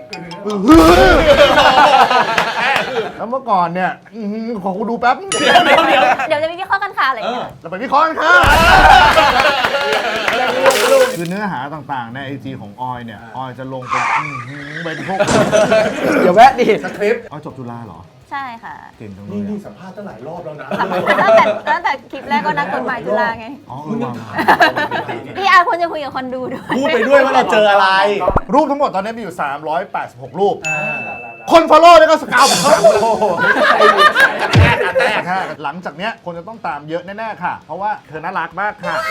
Speaker 2: แล้วเมื่อก่อนเนี่ยขอกูดูแป๊บ
Speaker 6: เดี๋ยวจะมีวิเคราะห์กันค่ะอะไรอย่างเงี้ย
Speaker 2: เราไปวิเคราะห์กันค่ะคือเนื้อหาต่างๆใน IG ของออยเนี่ยออยจะลงเป็นพวก
Speaker 4: เดี๋ยวแวะดิ
Speaker 2: สคริปต์ออยจบจุฬาเหรอ
Speaker 6: ใช่ค่ะ
Speaker 2: เก่งจังเลย
Speaker 3: นี่สัมภาษณ์ตั้งหลายรอบแล้วนะ
Speaker 6: ตั้งแต่คลิปแรกก็นักกฎหมายจุฬาไง
Speaker 2: อ๋อวาง
Speaker 6: พี่อาร์ควรจะคุยกับคนดูด้วย
Speaker 3: พูดไปด้วยว่าเราเจออะไร
Speaker 2: รูปทั้งหมดตอนนี้มีอยู่ 386 รูป คนฟอลโล่เนี่ยก็สกาวเขากระแทกหลังจากเนี้ยคนจะต้องตามเยอะแน่ๆค่ะ เพราะว่าเธอน่ารักมากค่ะ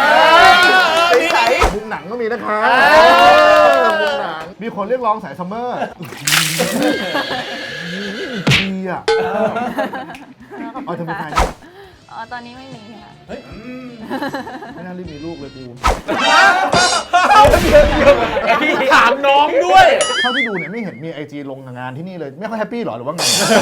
Speaker 2: มุมหนังก็มีนะคะมุมหนังมีคนเรียกร้องสายซัมเมอร์ดีอ่ะเอาเธอเป็นใครนะ
Speaker 6: อ๋อตอนนี้ไม่มีค่ะ
Speaker 2: ไม่น่ารีบมีลูกเลยกู
Speaker 3: ถามน้องด้วย
Speaker 2: เท่าที่ดูเนี่ยไม่เห็นมี IG ลงงานที่นี่เลยไม่ค่อยแฮปปี้หรอหรือว่าไง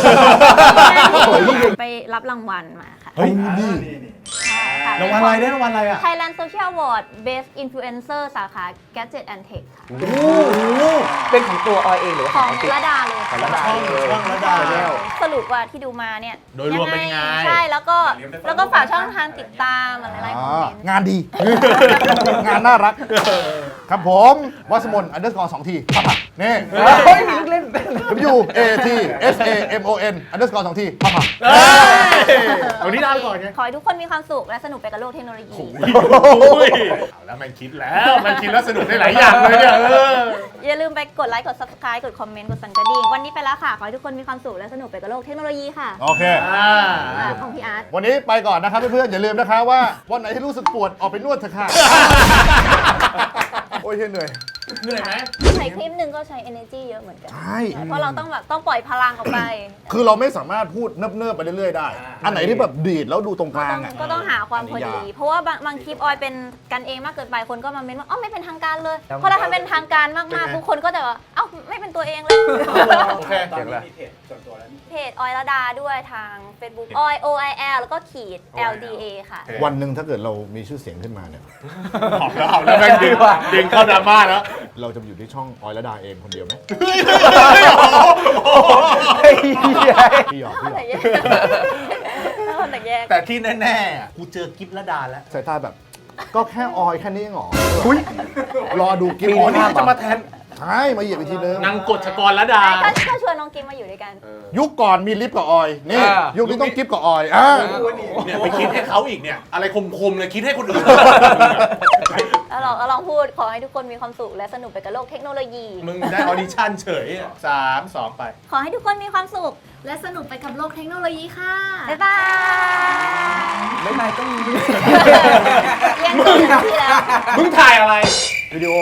Speaker 6: ไปรับรางวัลมาค่ะ
Speaker 2: เฮ้ยดี
Speaker 3: รางวัลอะไรได้รางวัลอะไรอ่ะ
Speaker 6: Thailand Social Award Best Influencer สาขา Gadget and Tech ค่ะ
Speaker 4: เป็นของตัวออยเองหรือว่า
Speaker 6: ข
Speaker 4: ข
Speaker 6: อ
Speaker 4: อง ง
Speaker 6: ระดาเลยค่ะ
Speaker 3: ช่องระดา
Speaker 6: สรุปว่าที่ดูมาเนี่ย
Speaker 3: โดยรวมเป็นยังไง
Speaker 6: ใช่แล้วก็ฝากช่องทางติดตามอะไรคอมเมนต์
Speaker 2: งานดี งานน่ารัก ครับผมวัสมน_2 ทีปั๊บนี่
Speaker 4: เฮ้ยมีลูกเล่น
Speaker 2: W A T S A M O N _2 ทีปั๊บ
Speaker 3: เอานี้ลาไปก่อนไง
Speaker 6: ขอให้ทุกคนมีความสุขและสนุกไปกับโลกเทคโนโลยี
Speaker 3: แล้วมันคิดแล้วสนุกได้หลายอย่างเลยเนี่ย
Speaker 6: อย่าลืมไปกดไลค์กด subscribe กดคอมเมนต์กดสั่นกระดิ่งวันนี้ไปแล้วค่ะ ขอให้ทุกคนมีความสุขและสนุกไปกับโลกเทคโนโลยีค่ะ
Speaker 2: โอเค
Speaker 6: ของพี่อาร์ต
Speaker 2: วันนี้ไปก่อนนะครับเพื่อนๆอย่าลืมนะคะว่าวันไหนที่รู้สึกปวดออกไปนวดเถอะค่ะ โอ้ยเหนื่อย
Speaker 3: เหนื่อยไหม
Speaker 6: ใช้คลิปหนึ่งก็ใช้ energy เยอะเหมือนกัน
Speaker 2: ใช่
Speaker 6: เพราะเราต้องปล่อยพลังออกไป
Speaker 2: คือเราไม่สามารถพูดเนิบๆไปเรื่อยๆได้ อันไหนที่แบบดีดแล้วดูตรงกลางอ่ะ
Speaker 6: ก็ต้องหาความพอดี เพราะว่าบางคลิปออยเป็นกันเองมากเกินไปคนก็มาเม้นว่าไม่เป็นทางการเลยพอเราทำเป็นทางการมากๆทุกคนก็จะว่าไม่เป็นตัวเองเลย
Speaker 3: โอเค
Speaker 10: ตอนนี้มีเพจส่วนตัวแล้วนี่
Speaker 6: เพจออยระดาด้วยทาง Facebook ออย OIL แล้วก็ขีด LDA ค่ะ
Speaker 2: วันหนึ่งถ้าเกิดเรามีชื่อเสียงขึ้นมาเนี่ย
Speaker 3: เอาแล้วแม่งดึงเข้าดราม่าแล้ว
Speaker 2: เราจะอยู่ที่ช่องออยระดาเองคนเดียวไหมพี่หยอก
Speaker 6: แต่แยก
Speaker 3: แต่ที่แน่ๆกูเจอกิฟละดาแล้ว
Speaker 2: สายตาแบบ ก็แค่ออยแค่นี้เองเหรอรอดูกิฟ
Speaker 3: อ๋อนี่จะมาแทน
Speaker 2: ใช่มาเหยียบอีกทีนึง
Speaker 3: นางกฎชกรละดา
Speaker 6: ก็ชวนน้องกิมมาอยู่ด้วยกัน
Speaker 2: ยุคก่อนมีลิฟต์กับออยนี่ยุคนี้ต้องกิฟต์กับออย
Speaker 3: เนี่ยไปคิดให้เขาอีกเนี่ย อะไรคมๆเลยคิดให้คนอื่น
Speaker 6: แล้วลองพูดขอให้ทุกคนมีความสุขและสนุกไปกับโลกเทคโนโลยี
Speaker 3: มึงได้ออดิชั่นเฉยอะ3 2 ไป
Speaker 6: ขอให้ทุกคนมีความสุข
Speaker 8: และสนุกไปกับโลกเทคโนโลยีค่ะ
Speaker 6: บ๊ายบาย
Speaker 4: ไม่นายต้องมี
Speaker 6: เรียนจบที่แล้ว
Speaker 3: มึงถ่ายอะไร
Speaker 2: วิดีโอ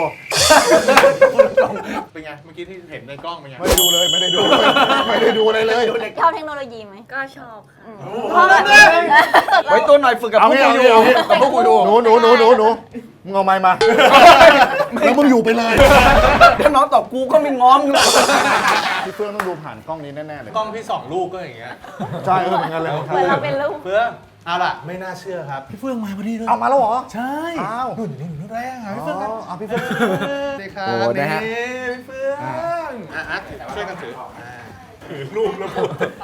Speaker 3: เป็นไง เมื่อกี้ที่เห็นในกล้องเป็นไง
Speaker 2: ไม่ได้ดูเลย ไม่ได้ดูเลยไม่ได้ดูอะไรเลย
Speaker 6: ชอบเทคโนโลยีไหม
Speaker 8: ก็ชอบค่ะ
Speaker 6: เพราะแบบ
Speaker 4: ไว้ตัวหน่อยฝึกกับ
Speaker 2: เอา
Speaker 4: พวก
Speaker 2: งี้
Speaker 4: กู
Speaker 2: เอา
Speaker 4: อยู่
Speaker 2: งี้เอางี้
Speaker 4: กับพวกกูดู
Speaker 2: หนูมึงเอาไม้มา แล้วมึงอยู่ไปเลย
Speaker 4: ถ้าน้องตอบกูก็ไม่ง้อมอยู่
Speaker 2: พี่เฟื่องต้องดูผ่านกล้องนี้แน่ๆเลย
Speaker 3: กล้องพี่2 ลูกก็อย่างเงี้ย
Speaker 2: ใช่เหมือนกันเลย
Speaker 6: เหมือนเราเป็นลูก
Speaker 3: เฟื่อง เอาล่ะ ไม่น่าเชื่อครับ พี่เฟื่องมาพอดีเลย
Speaker 2: เอามาแล้วเหรอ
Speaker 3: ใช่
Speaker 2: อ้าว
Speaker 3: นู่นอยู่นี่หนูแรงอ่ะพี่เฟื่องครับ
Speaker 2: เอาพี่เฟื่อง
Speaker 3: สวัสดีครับ
Speaker 4: โอ้นะฮะ
Speaker 3: นี่พี่เฟื่องช่วยกันถือถือรูปแล้วผม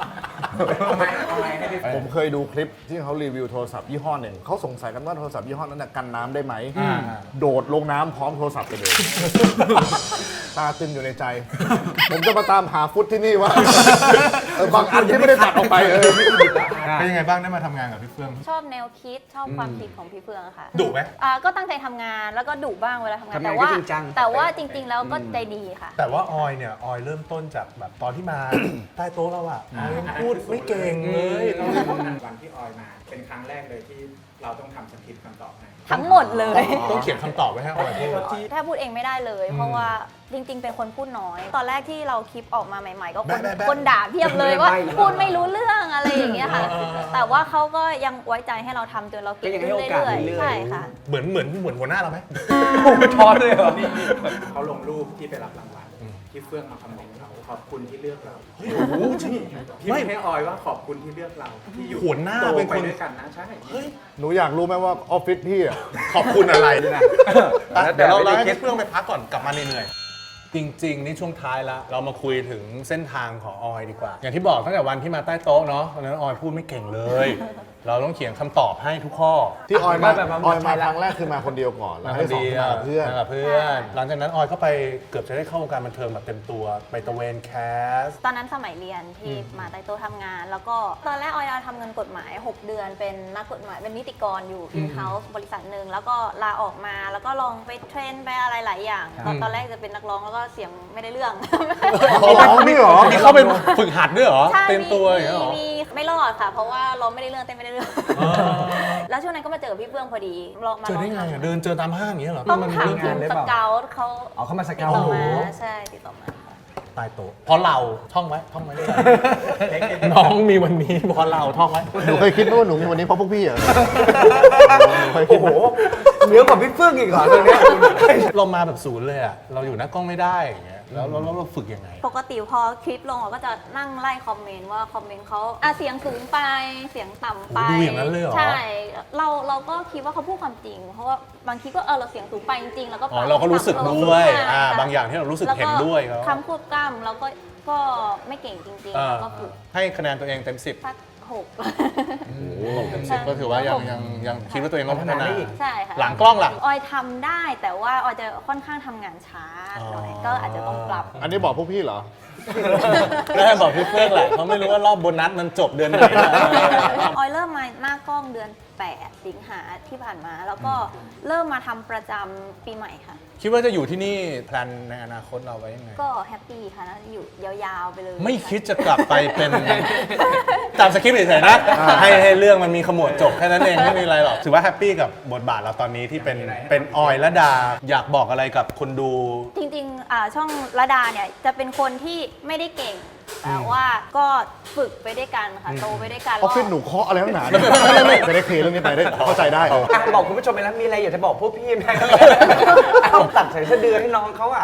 Speaker 2: ผมเคยดูคลิปที่เขารีวิวโทรศัพท์ยี่ห้อหนึ่งเขาสงสัยกันว่าโทรศัพท์ยี่ห้อนั้นนะกันน้ำได้ไหม โดดลงน้ำพร้อมโทรศัพท์ไปเลย ตาตึงอยู่ในใจ ผมจะมาตามหาฟุตที่นี่ว่าบางอันที่ไม่ได้ตัดออกไป
Speaker 3: เป็นยังไงบ้างได้มาทำงานกับพี่เฟื่อง
Speaker 6: ชอบแนวคิดชอบความคิดของพี่เฟืองอะค่ะ
Speaker 3: ดุไหม
Speaker 6: ก็ตั้งใจทำงานแล้วก็ดุบ้างเวลาทำงาน
Speaker 4: ทำงาน
Speaker 6: แต่ว่า
Speaker 4: ก็จริงจัง
Speaker 6: แต่ว่าจริง ๆ แล้วก็ใจดีค่ะ
Speaker 3: แต่ว่าออยเนี่ย ออยเริ่มต้นจากแบบตอนที่มา ใต้โต๊ะเราอะออยยังพูดไม่เก่งเลยเรา
Speaker 10: วันที่ออยมา เป็นครั้งแรกเลยที่เราต้องทำสคริปต์คำตอบให้
Speaker 6: ทั้งหมดเลย
Speaker 3: ต้องเขียนคำตอบไว้ให้ออยพูด
Speaker 6: ถ้าพูดเองไม่ได้เลย เพราะว่าจริง ๆ เป็นคนพูดน้อย ตอนแรกที่เราคลิปออกมาใหม่ ๆ ก็คนด่าเพียบเลยว่าพูดไม่รู้เรื่องอะไรอย่างเงี้ยค่ะ แต่ว่าเขาก็ยังไว้ใจให้เราทำจนเราเก่งขึ้นเรื่อยๆใช่ค่ะ
Speaker 3: เหมือนหัวหน้าเราไหม
Speaker 4: ท้อเลยเหรอ
Speaker 10: เขาลงรูปที่ไปรับรางวัลที่เฟื่องมาคอมเมนต์เราขอบคุณที่เลือกเรา
Speaker 3: โอ้โหจริง
Speaker 10: พี่ไม่ให้ออยว่าขอบคุณที่เลือกเราที่อยู่
Speaker 3: หัวหน้า
Speaker 10: โต
Speaker 3: เป็น
Speaker 10: ไป
Speaker 3: คน
Speaker 10: ด้วยกันนะใช่
Speaker 2: หนูอยากรู้ไหมว่าออฟฟิศพี่อะ
Speaker 3: ขอบคุณอะไรนะ
Speaker 4: แล้วแต่
Speaker 3: เดี๋ยวเรา
Speaker 4: ไม่ได้
Speaker 3: ให้
Speaker 4: คิด
Speaker 3: พี่เฟื่องไปพักก่อนกลับมาเหนื่อยๆจริงๆ นี่ช่วงท้ายแล้วเรามาคุยถึงเส้นทางของออยดีกว่า อย่างที่บอกตั้งแต่วันที่มาใต้โต๊ะเนาะตอนนั้นออยพูดไม่เก่งเลย เราต้องเขียนคำตอบให้ทุกข้อ
Speaker 2: ที่ออยมา
Speaker 4: แบบว่า
Speaker 2: ออยมาครั้งแรกคือมาคนเดียวก่อนแล้วให้สองคนมากับเพื่อน
Speaker 3: มากับเพื่อน หลังจากนั้นออยก็ไปเกือบจะได้เข้าวงการบันเทิงแบบเต็มตัวไปตะเวนแคส
Speaker 6: ตอนนั้นสมัยเรียนที่มาใต้โต๊ะทำงาน แล้วก็ตอนแรกออยทำเงินกฎหมาย 6 เดือนเป็นนักกฎหมายเป็นนิติกรอยู่ in-house บริษัทหนึ่งแล้วก็ลาออกมาแล้วก็ลองไปเทรนไปอะไรหลายอย่างตอนแรกจะเป็นนักร้องแล้วก็เสียงไม่ได้เรื่อง
Speaker 2: อ๋อนี่เหรอ
Speaker 3: มีเข้าไปฝึกหัดด้วยเหรอ
Speaker 6: ใช่
Speaker 3: เต็มตัวอย่างเงี้ยเหรอ
Speaker 6: มีไม่รอดค่ะ เพราะว่าร้องไม่ได้เรื่องเต้นไม่ได้เรื่อง แล้วช่วงนั้นก็มาเจอพี่เฟื่องพอดีลองมา
Speaker 3: เจอได้ไงอะเดินเจอตามห้างอย่างเงี้ยเหรอ
Speaker 6: ต้องถาม
Speaker 4: เรื่อง
Speaker 6: ที
Speaker 4: งาน
Speaker 6: ม
Speaker 4: หรือ
Speaker 6: ส
Speaker 4: เปล่า
Speaker 6: เกลเขา
Speaker 4: เอาเข้ามาส
Speaker 6: ติ
Speaker 4: เก
Speaker 6: ด
Speaker 4: ล
Speaker 6: ต่อ
Speaker 4: หนู
Speaker 6: มาใช่ติดต่อมา
Speaker 3: ใต้โต๊ะเพราะเราท่องไว้ด้วยกันน้องมีวันนี้เพราะเราท่องไว้
Speaker 2: หนูเคยคิดไหมว่าหนูมีวันนี้เพราะพวกพี่เหรอเคยคิ
Speaker 4: โอ้
Speaker 2: ด
Speaker 4: โห
Speaker 2: ไหม
Speaker 4: เหนือกว่าพี่เฟื่องอีกเหรอตรงเนี้ย
Speaker 3: เรามาแบบศูนย์เลยอะเราอยู่หน้ากล้องไม่ได้อย่างเงี้ยแล้วเราฝึกยังไง
Speaker 6: ปกติพอคลิปลงเราก็จะนั่งไล่คอมเมนต์ว่าคอมเมนต์เขาเสียงสูงไปเสียงต่ำไป
Speaker 3: ดูอย่างนั้นเลยเหรอ
Speaker 6: ใช่เราก็คิดว่าเขาพูดความจริง เพราะว่าบางทีก็เราเสียงสูงไปจริงๆแล้วก็
Speaker 3: อ๋อเราก็รู้สึกด้วย
Speaker 6: ใช่ค่ะ
Speaker 3: บางอย่างที่เรารู้สึกเห็นด้วยเขา
Speaker 6: คำควบกล้ำเราก็ไม่เก่งจริงๆแล้วก็ฝึก
Speaker 3: ให้คะแนนตัวเองเต็ม 10
Speaker 6: สัก6
Speaker 3: เต็ม10ก็ถือว่ายังคิดว่าตัวเองต้องพัฒนา
Speaker 6: ใช่ค่ะ
Speaker 3: หลังกล้องล่ะ
Speaker 6: ออยทำได้แต่ว่าออยจะค่อนข้างทำงานช้าหน่อยก็อาจจะต้องปรับ
Speaker 2: อันนี้บอกพวกพี่เหรอ
Speaker 3: ได้บอกพี่เพื่อนแหละเขาไม่รู้ว่ารอบโบนัสมันจบเดือนไหนนะ
Speaker 6: ออยเริ่มมาหน้ากล้องเดือน 8 สิงหาที่ผ่านมา แล้วก็เริ่มมาทำประจำปีใหม่ค่ะ
Speaker 3: คิดว่าจะอยู่ที่นี่แพลนในอนาคตเราไว้ยังไง
Speaker 6: ก็แฮปปี้ค่ะนะอยู่ยาวๆไปเลย
Speaker 3: ไม่คิดจะกลับไปเป็นตามสคริปต์เฉยๆนะให้เรื่องมันมีขมวดจบแค่นั้นเองไม่มีอะไรหรอกถือว่าแฮปปี้กับบทบาทเราตอนนี้ที่เป็นออยและดาอยากบอกอะไรกับคนดู
Speaker 6: จริงๆช่องระดาเนี่ยจะเป็นคนที่ไม่ได้เก่ง แต่ว่าก็ฝึกไปด้วยกันค่ะโตไปด้วยกัน
Speaker 2: ออฟฟิศหนูเคาะอะไรตั้งนานจะได้เคลียร์เรื่องนี้ไปได้เข้าใจได้
Speaker 4: บอกคุณผู้ชมไปแล้วมีอะไรอยากจะบอกพวกพี่ไหมเอาตัดใส่สะดือให้น้องเขาอ่ะ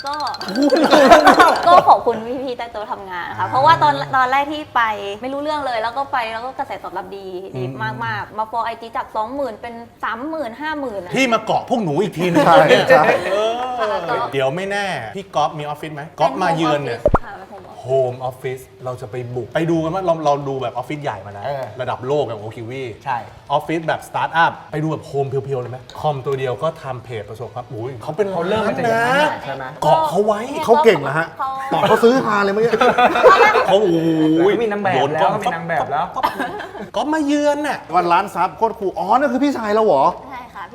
Speaker 6: ก็ขอบคุณพี่ๆใต้โต๊ะทำงานค่ะเพราะว่าตอนแรกที่ไปไม่รู้เรื่องเลยแล้วก็ไปแล้วก็กระแสตอบรับดีมากๆมาฟอไอจีจาก 20,000 เป็น 30,000 50,000
Speaker 3: พี่มาเกาะพวกหนูอีกทีนึง
Speaker 2: ใช่
Speaker 3: เนี่ย
Speaker 2: ใช่
Speaker 3: เดี๋ยวไม่แน่พี่ก๊อฟมีออฟฟิศไหมก๊อฟมาเยือนเนี่ย
Speaker 6: ค่ะเป็น home office
Speaker 3: โฮมออฟฟิศเราจะไปบุกไปดูกันว่าเราดูแบบออฟฟิศใหญ่มาแล้ว ระดับโลกแบบโอคิวี
Speaker 4: ใช่
Speaker 3: ออฟฟิศแบบสตาร์ทอัพไปดูแบบโฮมเพียวๆเลยไหมคอมตัวเดียวก็ทำเพจประสบความอุ้ยเขาเป็น
Speaker 4: เขาเริ่มมาจากอย่างนั้นน่ะใช่ไหม
Speaker 3: เกาะเขาไว้
Speaker 2: เขาเก่งนะฮะตอนเขาซื้อฮาเลยเมื่อกี้
Speaker 3: เขาโอ้ย
Speaker 4: เขามีนางแบบแล้วเขามีนางแบบแล้ว
Speaker 3: ก๊อฟมาเยือนน่ะ
Speaker 2: วันล้านซับโคตรคูลอ๋อนั่นคือพี่ชายเราเหรอ
Speaker 6: ใช่ค่ะพี่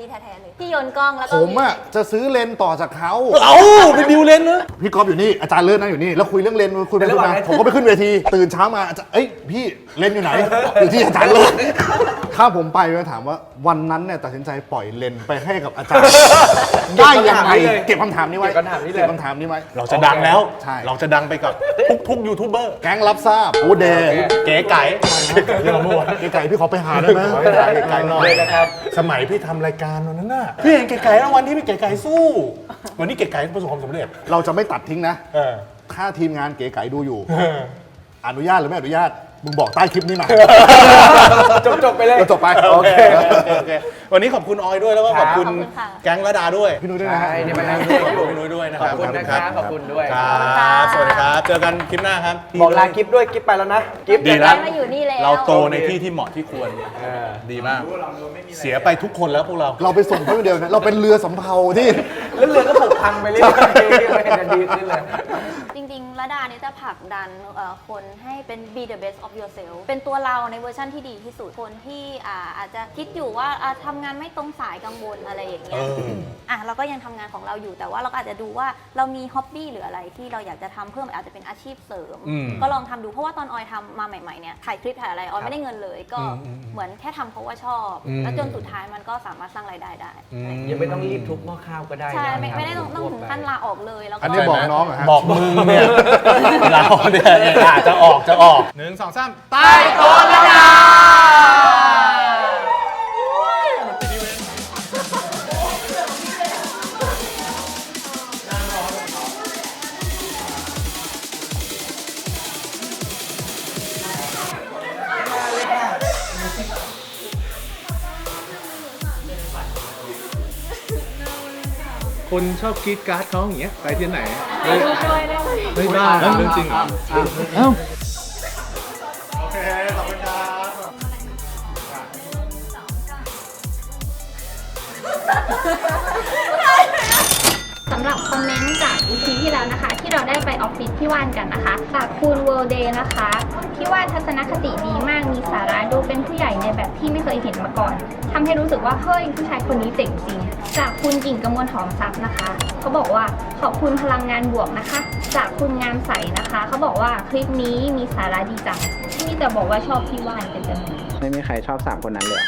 Speaker 6: ที่แท้ๆเลยที่โยนกล้องแล้วก็
Speaker 2: ผมอะจะซื้อเลนส์ต่อจากเขา
Speaker 3: เอาเป็นดิวเลนนะ
Speaker 2: พี่ก๊อฟอยู่นี่อาจารย์เลิศนั่งอยู่นี่แล้วคุยเรื่องเลนส์คุยไปคุยมาผมก็ไปขึ้นเวทีตื่นเช้ามาอาจารย์เอ้ยพี่เลนส์อยู่ไหนอยู่ที่อาจารย์เลิศถ้าผมไปก็ถามว่าวันนั้นเนี่ยตัดสินใจปล่อยเลนส์ไปให้กับอาจารย์ได้ยังไงเก็บคำถามนี้ไว้เก็บคำถามนี้ไว้
Speaker 3: เราจะดังแล้ว
Speaker 2: ใช่
Speaker 3: เราจะดังไปกับทุกยูทูบเบอร์
Speaker 2: แก๊งรับทราบโอเดย์
Speaker 3: เก๋ไก่เรื่องเมื่อวาน
Speaker 2: เก๋ไก่พี่ขอไปหาได้ไหม
Speaker 3: เก๋ไก่หน่อยนะครับ สมัยพี่ทำรายการวันนั้นน่ะ พี่เห็นเก๋ไก่แล้ววันที่พี่เก๋ไก่สู้ วันนี้เก๋ไก่ประสบความสำเร็จ
Speaker 2: เราจะไม่ตัดทิ้งนะ
Speaker 3: เออ
Speaker 2: ถ้าทีมงานเก๋ไก่ดูอยู่ อนุญาตหรือไม่อนุญาตมึงบอกใต้คลิปนี้มา
Speaker 4: จบไปเลย
Speaker 2: จบไป
Speaker 3: โอเควันนี้ขอบคุณออยด้วยแล้วก็ขอบคุณแก๊งระดาด้วย
Speaker 2: พี่นุ้ยด้วยนะฮะ
Speaker 4: ใช่นี่มานั่งด้วยอยู่
Speaker 3: พี่นุ้ยด้วยนะค
Speaker 4: ขอ
Speaker 3: รั
Speaker 4: บบ คุณนะครับขอบคุณด้วย
Speaker 3: ครับสวัสดีครับ เจอกันคลิปหน้าครับ
Speaker 4: บอกลากิฟด้วยกิฟไปแล้วนะกิฟ
Speaker 3: ดีแล้ว
Speaker 6: มาอยู่นี่แล้ว
Speaker 3: เราโตในที่ที่เหมาะที่ควรดีมาก เสียไปทุกคนแล้วพวกเรา
Speaker 2: เราไปส่งเพื่อนเดียวนะเราเป็นเรือสำเภาที่
Speaker 4: แล้วเรือก็ผุพังไปเรื่อยๆไม่เห็นจะดีขึ้นเลย
Speaker 6: จริงๆระดาเนี่ยจะผลักดันคนให้เป็น be the best of yourself เป็นตัวเราในเวอร์ชันที่ดีที่สุดคนที่อาจจะคิดอยู่ว่าทำงานไม่ตรงสายกังวลอะไรอย่างเงี้ยเราก็ยังทำงานของเราอยู่แต่ว่าเราก็อาจจะดูว่าเรามีฮ็อบบี้หรืออะไรที่เราอยากจะทำเพิ่มอาจจะเป็นอาชีพเสริม ก็ลองทำดูเพราะว่าตอนออยทำมาใหม่ๆเนี่ยถ่ายคลิปถ่ายอะไรออยไม่ได้เงินเลยก็เหมือนแค่ทำเพราะว่าชอบแล้วจนสุดท้ายมันก็สามารถสร้างรายได้ได้
Speaker 4: ยังไม่ต้องรีบทุบหม้อข้าวก็ได้นะ
Speaker 6: ใช่ไม่ได้ต้องถึงขั้นลาออกเลยแล้วก็
Speaker 2: อันนี้บอกน้องเหรอฮะ
Speaker 3: บอกมึงเนี่ยเราเนี่ยจะออก1 2 3ใต้โต๊ะระดาคนชอบกรีดการ์ดเขาอย่างเงี้ยไปที่ไหนไม่บ้าเรื่องจริงเหรอโอเคขอบคุณครับ
Speaker 7: สำหรับคอมเมนต์จาก EP ที่แล้วนะคะ ที่เราได้ไปออฟฟิศพี่ว่านกันนะคะจากคุณเวิลด์เดย์นะคะพี่ว่านทัศนคติดีมากมีสาระดูเป็นผู้ใหญ่ในแบบที่ไม่เคยเห็นมาก่อนทำให้รู้สึกว่าเฮ้ยผู้ชายคนนี้เจ๋งจริงจากคุณกิ่งกมลหอมทรัพย์นะคะเขาบอกว่าขอบคุณพลังงานบวกนะคะจากคุณงามใสนะคะเขาบอกว่าคลิปนี้มีสาระดีจังที่แต่บอกว่าชอบพี่ว่านเป็นจำนวน
Speaker 10: ไม่มีใครชอบ3คนนั้นเลย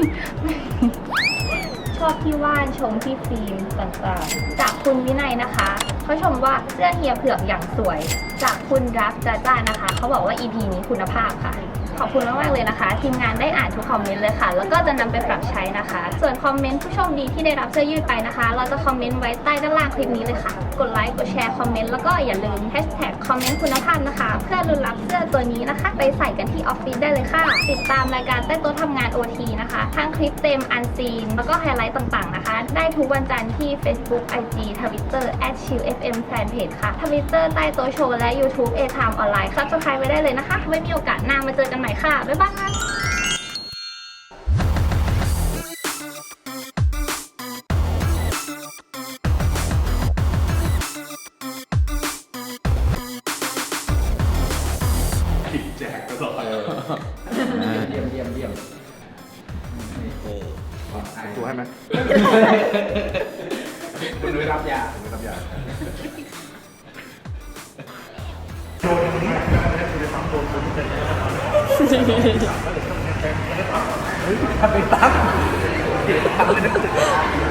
Speaker 7: ชอบพี่ว่านชมพี่ฟิล์มต่างๆจากคุณวินัยนะคะเขาชมว่าเสื้อเฮียเผือกอย่างสวยจากคุณรักจ้านะคะเขาบอกว่า EP นี้คุณภาพค่ะขอบคุณมากๆเลยนะคะทีมงานได้อ่านทุกคอมเมนต์เลยค่ะแล้วก็จะนำไปปรับใช้นะคะส่วนคอมเมนต์ผู้โชคดีที่ได้รับเสื้อยืดไปนะคะเราจะคอมเมนต์ไว้ใต้ด้านล่างคลิปนี้เลยค่ะกดไลค์กดแชร์คอมเมนต์แล้วก็อย่าลืมแฮชแท็กคอมเมนต์คุณภาพนะคะเพื่อลุ้นรับเสื้อตัวนี้นะคะไปใส่กันที่ออฟฟิศได้เลยค่ะติดตามรายการใต้โต๊ะทำงาน OT นะคะทั้งคลิปเต็มอันซีนแล้วก็ไฮไลท์ต่างๆนะคะได้ทุกวันจันทร์ที่ Facebook IG Twitter @chillfm Fanpage ค่ะ Twitter ใต้โต๊ะโชว์และ YouTube A Time ออนไลน์ Subscribe ไว้ได้เลยนะคะไว้มีโอกาสหน้ามาเจอกันใหม่ค่ะบ๊ายบาย
Speaker 4: เยี่ยม
Speaker 2: ตัวให้ไหม
Speaker 4: คุณนุ้ยรับยาทำไปตั้ง